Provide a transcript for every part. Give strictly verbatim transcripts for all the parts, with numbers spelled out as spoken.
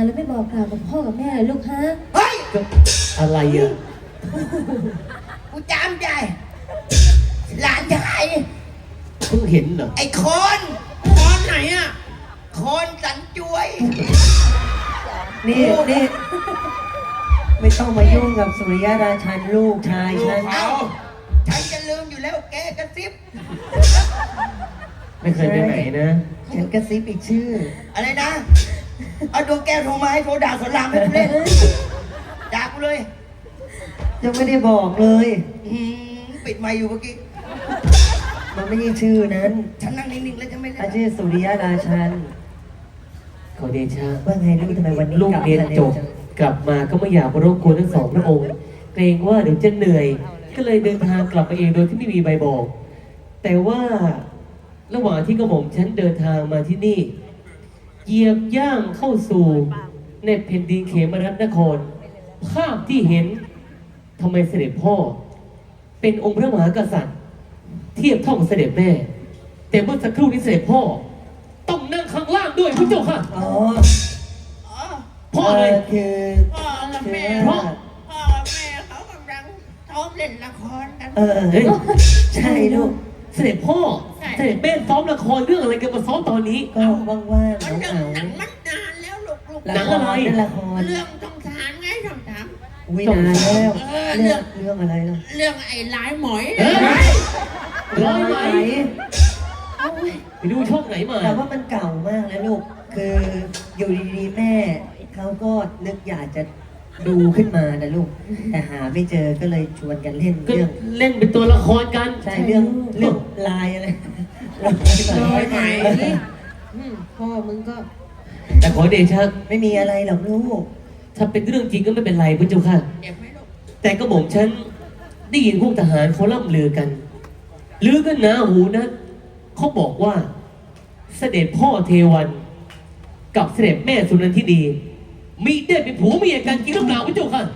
แล้วไม่บอกกล่าวกับพ่อกับแม่เลยลูกฮะเฮ้ยอะไรอ่ะกูจำได้หลานชายเพิ่งเห็นเหรอไอ้คนคนไหนอ่ะคนสันจวยนี่นี่ไม่ต้องมายุ่งกับสุริยราชันลูกชายฉันเอาฉันจะลืมอยู่แล้วแกกระซิบไม่เคยไปไหนนะฉันกระซิบอีกชื่ออะไรนะเอาดวงแก้วโทรมาให้โทรด่าสอนรามให้กูเล่นด่ากูเลยยังไม่ได้บอกเลยปิดไมค์อยู่เมื่อกี้มันไม่ใช่ชื่อนั้นฉันนั่งนิ่งๆแล้วจะไม่เล่นชื่อสุริยราชันขอเดชะว่าไงลูกทำไมวันนี้ลูกเรียนจบกลับมาก็ไม่อยากมารบกวนทั้งสองพระองค์เกรงว่าเดี๋ยวจะเหนื่อยก็เลยเดินทางกลับมาเองโดยที่ไม่มีใบบอกแต่ว่าระหว่างที่กระหม่อมฉันเดินทางมาที่นี่เหยียบย่างเข้าสู่ในแผ่นดินเขมรัตนครภาพที่เห็นทำไมเสด็จพ่อเป็นองค์พระมหากษัตริย์เทียบเท่ากับเสด็จแม่แต่เมื่อสักครู่นี้เสด็จพ่อต้องนั่งข้างล่างด้วยพระเจ้าค่ะอ๋อพ่ออะไรคือพ่อกับแม่พ่อกับแม่เขากำลังซ้อมเล่นละครกันเออใช่ลูกเสด็จพ่อเสด็จแม่ซ้อมละครเรื่องอะไรกันมาซ้อมตอนนี้ก็ว่างๆมันหนังหนังมันนานแล้วลูกลูกหนังอะไรละครเรื่องสงสารไงสงสารวินานแล้วเรื่องเรื่องอะไรล่ะเรื่องไอ้ลายหมอยลายไหมไปดูช่องไหนมาแต่ว่ามันเก่ามากแล้วลูกคืออยู่ดีๆแม่เขาก็นึกอยากจะดูขึ้นมานะลูกแต่หาไม่เจอก็เลยชวนกันเล่นเรื่องเล่นเป็นตัวละครกันใช่เรื่องเรื่องลายอะไรลายไหมพ่อมึงก็แต่ขอเดชะไม่มีอะไรหรอกลูกถ้าเป็นเรื่องจริงก็ไม่เป็นไรพระเจ้าค่ะแต่กระหม่อมฉันได้ยินพวกทหารเขาล่ำลือกันลือกันหนาหูนะเขาบอกว่าเสด็จพ่อเทวันกับเสด็จแม่สุนันทิดีมีได้เป็นผัวเมียกันจริงหรือเปล่าพระเจ้าค่ะ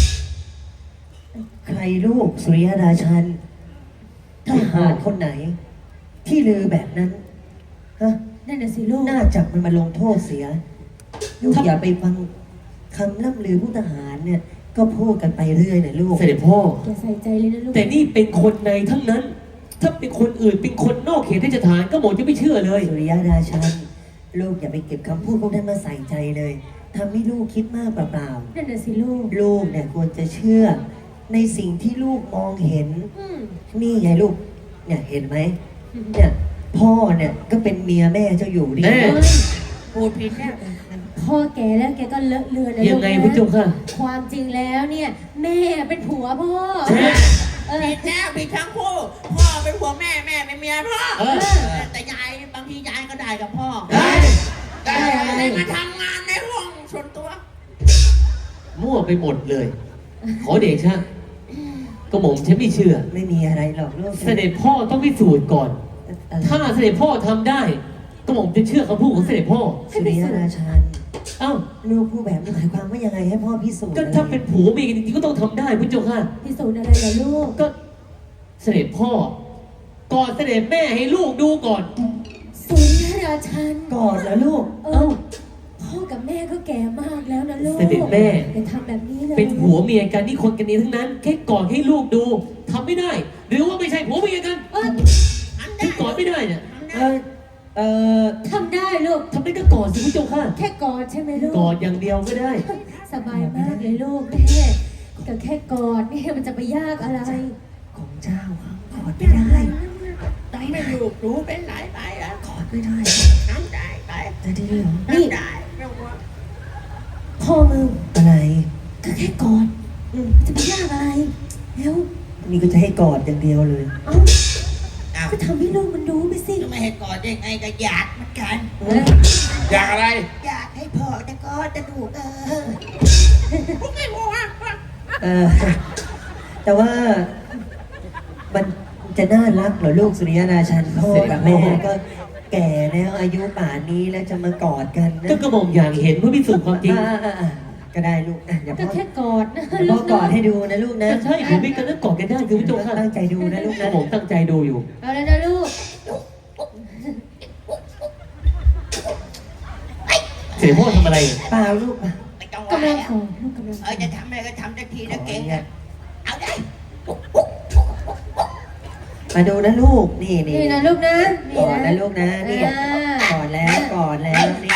ใครลูกสุริยราชันทหารคนไหนที่ลือแบบนั้นฮะนั่นน่ะสิลูกน่าจับมันมาลงโทษเสียลูกอย่าไปฟังคำล่ำลือผู้ทหารเนี่ยก็พูดกันไปเรื่อยนะลูกเสด็จพ่ออย่าใส่ใจเลยนะลูกแต่นี่เป็นคนในทั้งนั้นถ้าเป็นคนอื่นเป็นคนนอกเขตราชฐานก็หมดจะไม่เชื่อเลยสุริยราชันลูกอย่าไปเก็บคำพูดพวกนั้นมาใส่ใจเลยทำให้ลูกคิดมากเปล่าๆนั่นน่ะสิลูกลูกเนี่ยควรจะเชื่อในสิ่งที่ลูกมองเห็นนี่ไงลูกเนี่ยเห็นไหมเนี่ยพ่อเนี่ยก็เป็นเมียแม่เจ้าอยู่ดิพูดผิดแล้วพ่อแกแล้วแกก็เลอะเลือนนะลูกยังไงพระเจ้าค่ะความจริงแล้วเนี่ยแม่เป็นผัวพ่อผิดแน่ผิดทั้งคู่พ่อเป็นผัวแม่แม่เป็นเมียพ่อแต่ยายบางทียายก็ได้กับพ่อได้อะไรมาทำงานในห้องส่วนตัวมั่วไปหมดเลยขอเดชะกระหม่อมฉันไม่เชื่อไม่มีอะไรหรอกลูกเสด็จพ่อต้องพิสูจน์ก่อนถ้าเสด็จพ่อทำได้กระหม่อมจะเชื่อคำพูดของเสด็จพ่อสุริยราชันเอ้าลูกพูดแบบนี้หมายความว่ายังไงให้พ่อพิสูจน์ก็ถ้าเป็นผัวเมียกันจริงๆก็ต้องทำได้พระเจ้าค่ะพิสูจน์อะไรล่ะลูกก็เสด็จพ่อก่อนเสด็จแม่ให้ลูกดูก่อนสุริยราชันก่อนแล้วลูกเออพ่อกับแม่ก็แก่มากแล้วนะลูกเสด็จแม่จะทำแบบนี้เลยเป็นผัวเมียกันนี่คนกันนี้ทั้งนั้นแค่ก่อนให้ลูกดูทำไม่ได้หรือว่าไม่ใช่ผัวเมียกันเออแค่ก่อนไม่ได้เนี่ยเออเออทำได้ลูกทำได้ก็ก่อนสิพระเจ้าค่ะแค่กอดใช่ไหมลูกกอดอย่างเดียวก็ได้สบายมากเลยลูกแม่แต่แค่กอดนี่มันจะไปยากอะไรของเจ้าครับกอดไม่ได้ต้องไม่ลูกรู้เป็นหลายไปแล้วกอดไม่ได้ทำได้ไปจะได้เหรอนี่ได้พ่อมึงอะไรก็แค่กอดจะไปยากอะไรแล้วนี่ก็จะให้กอดอย่างเดียวเลยเอ้าก็ทำให้ลูกมันรู้ไปสิไม่ให้กอดได้ไงก็อยากเหมือนกันอยากอะไรอยากให้พ่อจะกอดจะดูเออพวกไอ้โม่ะเออแต่ว่ามันจะน่ารักเหรอลูกสุริยราชันพ่อกับแม่ก็แก่แล้วอายุป่านนี้แล้วจะมากอดกันนะก็กระหม่อมอย่างเห็นเพื่อพิสูจน์ความจริงก็ได้ลูกอย่าพ่อแค่กอดนะพ่อกอดให้ดูนะลูกนะใช่ผมไม่กันแล้วกอดกันได้คือพระเจ้าค่ะตั้งใจดูนะลูกนะผมตั้งใจดูอยู่เอาเลยนะลูกเสด็จพ่อทำอะไรเปล่าลูกไม่ต้องกำลังว่าขอลูกกำลังขเอออจะทำอะไรก็ทำสักทีนะเก่งอะเอาได้มาดูนะลูก นี่นี่นี่นะลูกนะก่อนนะลูกนะ นี่อ่าก่อนแล้วก่อนแล้วนี่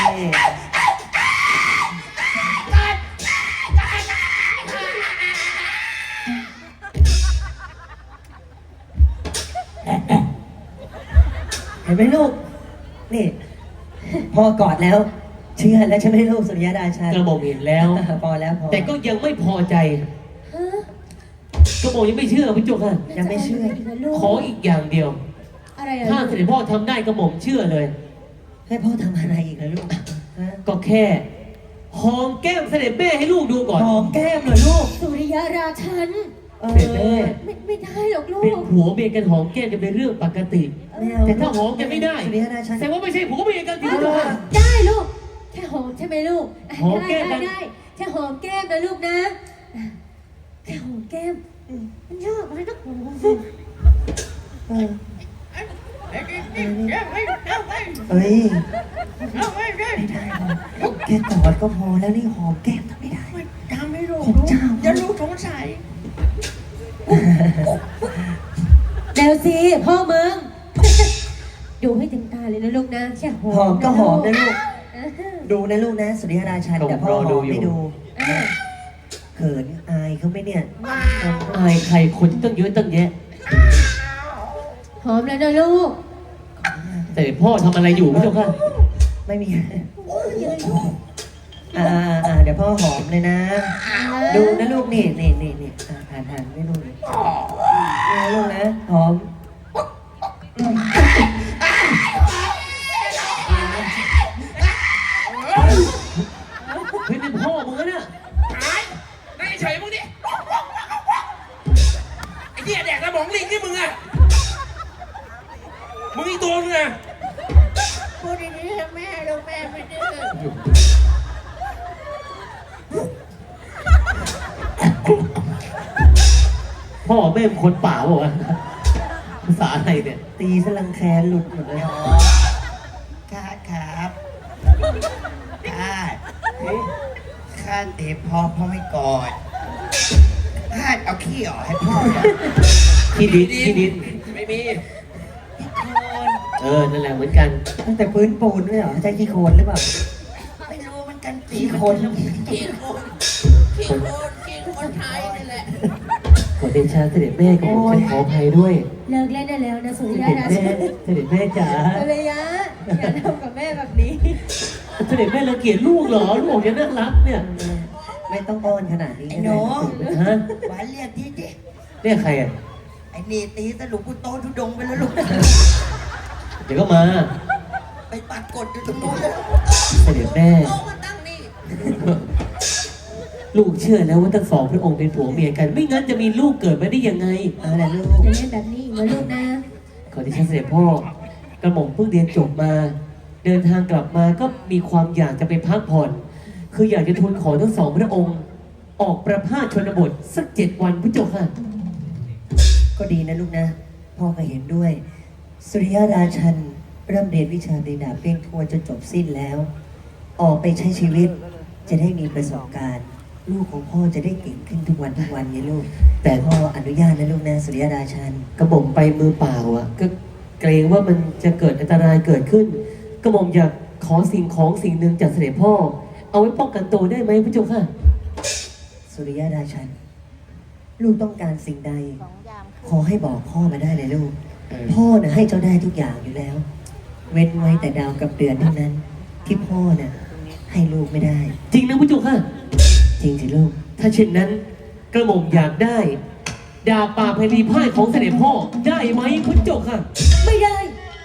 เห็นไหมลูก นี่พอกอดแล้ว เชื่อแล้วใช่ไหมลูกสุริยดาชันกระหม่อมเห็นแล้วพอแล้วพอแต่ก็ยังไม่พอใจฮะกระหม่อมยังไม่เชื่อพระเจ้าค่ะยังไม่เชื่อจะาะรกนะลูกขออีกอย่างเดียวอะไรอะถ้าเสด็จพ่อทำได้กระหม่อมเชื่อเลยให้พ่อทำอะไรอีกนะลูกฮะก็แค่หอมแก้มเสด็จแม่ให้ลูกดูก่อนหอมแก้มเหรอลูกสุริยราชันเออเสด็จแม่ไม่ไม่ได้หรอกลูเป็นกผัวเมียกันหอมแก้มจะเป็นเรื่องปกติไม่เอาแต่ถ้าหอมกันไม่ได้สุริยดาชันแสดงว่าไม่ใช่ผัวเมียกันที่เจ้าค่ะได้ลูก แค่หอมใช่ไหมลูกอ่ะหอมแก้มได้นะได้ได้แค่หอมแก้มนะลูกนะอ่ะแค่หอมแก้มอืมมันยากไหมนักหอมเออเดี๋ยวเดี๋ยวเดี๋ยวเดี๋ยวเดี๋ยวเอ้ยเดี๋ยวเดี๋ยวไม่ได้หรอกแค่กอดก็พอแล้วนี่หอมแก้มทำไม่ได้ทำให้ลูกผมเจ้าอย่าลูกสงสัยเดี๋ยวสิพ่อมึง ดูให้เต็มตาเลยนะลูกนะแค่หอมหอมก็หอมนะลูกอ่าฮะดูนะลูกนะสุริยราชันแต่พ่อหอมไม่ดูอ่าเขินอายเขาไหมเนี่ยอายใครคนตั้งเยอะตั้งแยะหอมแล้วนะลูกแต่พ่อทำอะไรอยู่พระเจ้าค่ะไม่มีอ่าอ่าเดี๋ยวพ่อหอมเลยนะ ดูนะลูกนี่นี่นี่นี่อ่าผ่านผ่านไม่ลูกนี่นะลูกนะหอมเฮ้ยเป็นพ่อมึงนะหายนั่งเฉยๆมึงดิ ไอ้เหี้ยแดกสมองลิงนี่มึงอะมึงอีกตัวนึงอะพูดดีๆให้แม่ลูกแม่ไม่ดื้อพ่อแม่เป็นคนป่าบอกว่าวะภาษาอะไรเนี่ยตีสลังแคหลุดหมดเลยข้าครับข้าข้าเตะพ่อพ่อไม่กอดข้าเอาขี้ออกให้พ่อก่อนขี้ดินขี้ดินไม่มีเออ นั่นแหละเหมือนกันตั้งแต่พื้นปูนไม่เหรอใช่ขี้โคลนหรือเปล่าไม่รู้มันกันตีขี้โคลนขี้โคนขี้โคนขี้โคนไทยนี่แหละขอเดชาเสด็จแม่กับผมฉันขออภัยด้วยเลิกเล่นได้แล้วนะสุริเสยด็จราแม่ชันเสด็จแม่จ๋าภรรยาอย่าทำกับแม่แบบนี้เสด็จแม่รังเกียจลูกเหรอ ลูกบอกจะน่ารักเนี่ยไม่ต้องอ้อนขนาดนี้ไอ้ก็หนูได้ฮะหวานเรียกที่ดิเรียกใครอ่ะไอ้นี่ตีสรุปกูโตทุดงไปแล้วลูกเดี๋ยวก็มาไปปัดกดอยู่ตรงนู้นแล้วเสด็จแม่โตมาตั้งนี่ลูกเชื่อแล้วว่าทั้งสองพระองค์เป็นผัวเมียกัน ไม่งั้นจะมีลูกเกิดมาได้ยังไงเอาละลูกอย่าเล่นแบบนี้อีกนะลูกนะขอที่ฉันเสด็จพ่อกระหม่อมเพิ่งเรียนจบมา เดินทางกลับมาก็มีความอยากจะไปพักผ่อน คืออยากจะทูลขอทั้งสองพระองค์ ออกประพาสชนบทสักเจ็ดวันพระเจ้าค่ะก็ดีนะลูกนะ พ่อก็เห็นด้วย สุริยราชันเริ่มเรียนวิชาตีดาบเพ่งทวนจนจบสิ้นแล้ว ออกไปใช้ชีวิต จะได้มีประสบการณ์ ลูกของพ่อจะได้เก่งขึ้นทุกวันทุกวันไงลูก แต่พ่ออนุญาตนะลูกนะสุริยราชันกระหม่อมไปมือเปล่าอ่ะ ก็เกรงว่ามันจะเกิดอันตรายเกิดขึ้น กระหม่อมอยากขอสิ่งของสิ่งหนึ่งจากเสด็จพ่อ เอาไว้ป้องกันตัวได้ไหมพระเจ้าค่ะสุริยราชัน ลูกต้องการสิ่งใด ขอให้บอกพ่อมาได้เลยลูกเออพ่อน่ะให้เจ้าได้ทุกอย่างอยู่แล้ว เว้นไว้แต่ดาวกับเดือนเท่านั้น ที่พ่อน่ะให้ลูกไม่ได้จริงนะพระเจ้าค่ะจริงสิลูกถ้าเช่นนั้น กระหม่อมอยากได้ ดาบป่าพลีพ่ายของเสด็จพ่อได้ไหมพระเจ้าค่ะไม่ได้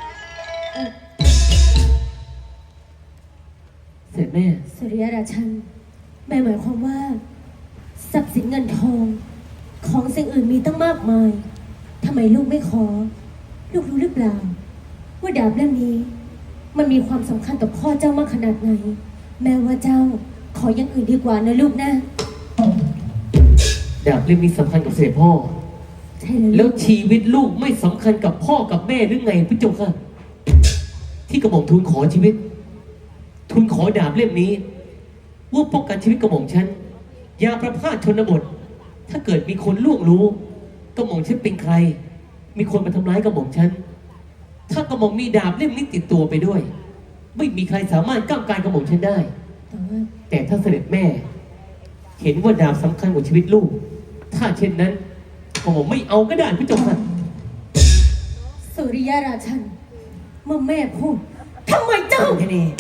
เสด็จแม่สุริยราชันแม่หมายความว่าทรัพย์สินเงินทอง ของสิ่งอื่นมีตั้งมากมายทำไมลูกไม่ขอ ลูกรู้หรือเปล่า ว่าดาบเล่มนี้ มันมีความสำคัญต่อพ่อเจ้ามากขนาดไหน แม้ว่าเจ้าขออย่างอื่นดีกว่านะลูกนะดาบเล่มนี้สำคัญกับเสด็จพ่อใช่เลยแล้ลูวกชีวิตลูกไม่สำคัญกับพ่อกับแม่หรือไงพระเจ้าค่ะ ที่กระหม่อมทูลขอชีวิตทุนขอดาบเล่มนี้ว่าป้องกันชีวิตกระหม่อมฉันยามประพาสชนบท ถ้าเกิดมีคนล่วงรู้กระหม่อมฉันเป็นใคร มีคนมาทำร้ายกระหม่อมฉันถ้ากระหม่อมมีดาบเล่มนี้ติดตัวไปด้วย ไม่มีใครสามารถก้าวกายกระหม่อมฉันได้แต่ว่าแต่ถ้าเสด็จแม่ เห็นว่าดาบสำคัญกว่าชีวิตลูก ถ้าเช่นนั้นกระหม่อมไม่เอาก็ได้พี่เจ้าค่ะสุริยราชันเมื่อแม่พูดทำไมเจ้าแค่นี้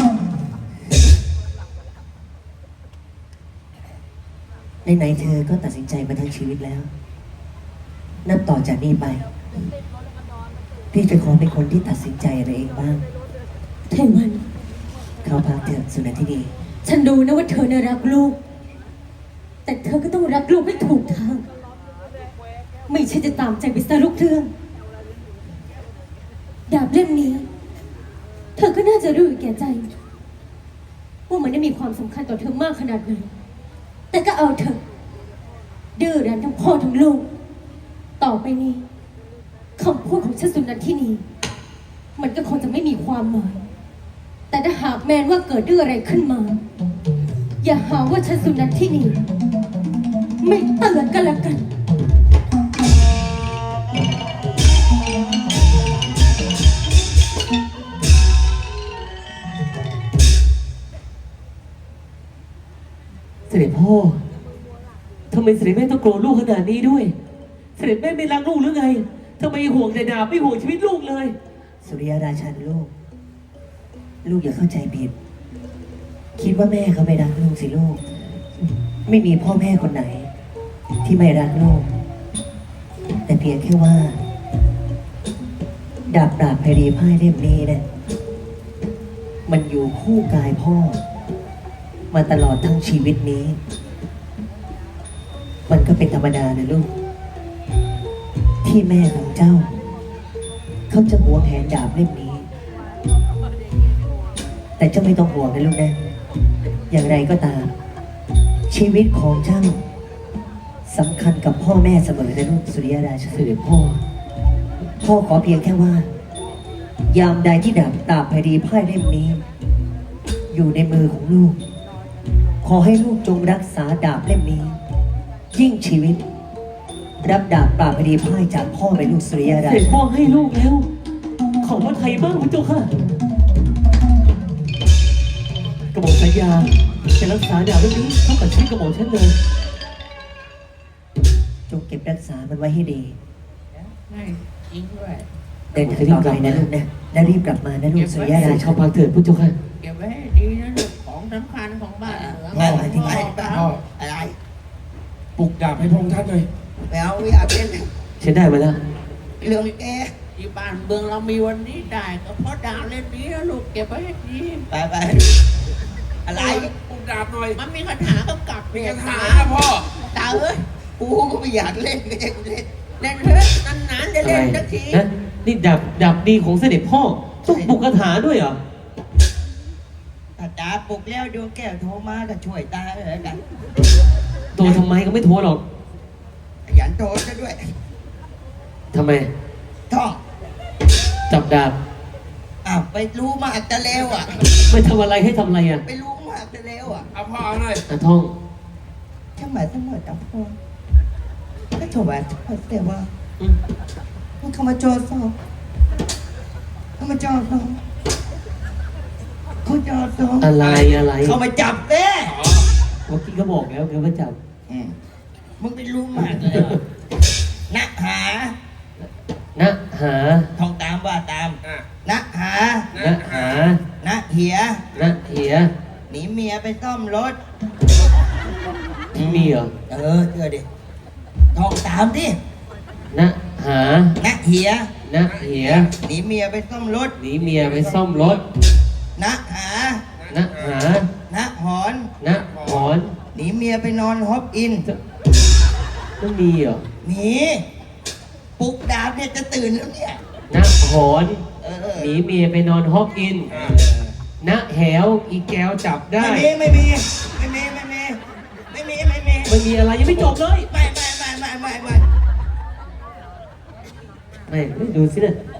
ไหนๆเธอก็ตัดสินใจมาทั้งชีวิตแล้ว นับต่อจากนี้ไป พี่จะขอเป็นคนที่ตัดสินใจอะไรเองบ้างเทวันเข้าพักเถอะสุนันทินีฉันรู้นะว่าเธอน่ะรักลูก แต่เธอก็ต้องรักลูกให้ถูกทาง ไม่ใช่จะตามใจไปซะลูกเรื่อง ดาบเล่มนี้ เธอก็น่าจะรู้อยู่แก่ใจ ว่ามันได้มีความสำคัญต่อเธอมากขนาดไหน แต่ก็เอาเถอะดื้อรั้นทั้งพ่อทั้งลูก ต่อไปนี้คำพูดของฉันสุนันทินี มันก็คงจะไม่มีความหมาย แต่ถ้าหากแมนว่าเกิดเรื่องอะไรขึ้นมา อย่าหาว่าฉันสุนันทินี ไม่เตือนกันละกันเสด็จพ่อทำไมเสด็จแม่ต้องโกรธลูกขนาดนี้ด้วย เสด็จแม่ไม่รักลูกหรือไงทำไมห่วงแต่ดาบไม่ห่วงชีวิตลูกเลยสุริยราชันลูก ลูกอย่าเข้าใจผิด คิดว่าแม่เขาไม่รักลูกสิลูก ไม่มีพ่อแม่คนไหน ที่ไม่รักลูก แต่เพียงแค่ว่า ดาบดาบไพรีพ่ายเล่มนี้เนี่ยมันอยู่คู่กายพ่อ มาตลอดทั้งชีวิตนี้ มันก็เป็นธรรมดานะลูก ที่แม่ของเจ้า เขาจะหวงแหนดาบเล่มนี้ แต่เจ้าไม่ต้องห่วงนะลูกนะ อย่างไรก็ตาม ชีวิตของเจ้าสำคัญกับพ่อแม่เสมอนะลูกสุริยราชาเสด็จพ่อพ่อขอเพียงแค่ว่า ยามใดที่ดาบดาบไพรีพ่ายเล่มนี้ อยู่ในมือของลูก ขอให้ลูกจงรักษาดาบเล่มนี้ ยิ่งชีวิต รับดาบปราบไพรีพ่ายจากพ่อไปลูกสุริยเสราด็จชาพ่อให้ลูกแล้ว ขอว่าไทยบ้างพี่เจ้าค่ะกระหม่อมสัญญาจะรักษาดาบเรื่องนี้เท่ากับชีวิตกระหม่อมฉันเลยจงเก็บรักษามันไว้ให้ดีให้จริงด้วยเดินทางต่อไปนะลูกนะและรีบกลับมานะลูกสุริยเสราด็จชาเข้าพักเถิดพี่เจ้าค่ะเก็บไว้ให้ดีนะลูกของสำคัญของบ้านเมืองพ่อมาที่นี่พ่ออะไรปลุกดาบให้พระองค์ท่านหน่อยแมวไม่อยากเล่นฉันได้มาแล้วเรื่องแกที่บ้านเมืองเรามีวันนี้ได้ก็เพราะดาวเล่นนี้นะลูกเก็บไว้ให้ดีไปไปอะไรปลุกดาบหน่อยมันมีคาถากำกับมีเนี่ยคาถานะพ่อตาเอ้ยกูก็ไม่อยากเล่นก็จะกูเล่นเล่นเถอะนานๆจะอะไรเล่นสักทีนะนี่ดาบดาบดีของเสด็จพ่อต้องบุกคาถาด้วยเหรอถ้าตาปลุกแล้วดวงแก้วโทรมาก็ช่วยตาเลยกันตัวทำไมก็ไม่โทรหรอกขยันโทรซะด้วยทำไมท่องจับดาบอ้าวไปรู้มากจะเลวอ่ะไม่ทำอะไรให้ทำอะไรอ่ะไปรู้มากจะเลวอ่ะเอาพ่อเอาหน่อยอ่ะท่องทำไมต้องมาจับพ่อก็ถวายพระเจ้าว่าอืมมันเข้ามาโจรสอบเข้ามาโจรสอบเขาโจรสอบอะไรอะไรเขามาจับเด้เมื่อกี้ก็บอกแล้วไงว่าจับอืมมึงไปรู้มากเลยเหรอนักหานะหาท่องตามว่าตามอ่ะนักหานะหานักเหียนะเหียหนีเมียไปซ่อมรถมีเหรอเออเชื่อดิท่องตามดินะหานักเหียนะเหียหนีเมียไปซ่อมรถหนีเมียไปซ่อมรถนักหานะหานักหอนนะหอนหนีเมียไปนอนฮอปอินไม่มีเหรอหนีปลุกดาบเนี่ยจะตื่นแล้วเนี่ยนะหอนเออหนีเมียไปนอนฮอกอินนะแหวอีแก้วจับได้ไม่มีไม่มีไม่มีไม่มีไม่มีไม่มีไม่มีอะไรยังไม่จบเลยไม่ไม่ไม่ไม่ไม่ไม่ไม่ไม่ดูสิเนี่ยเอ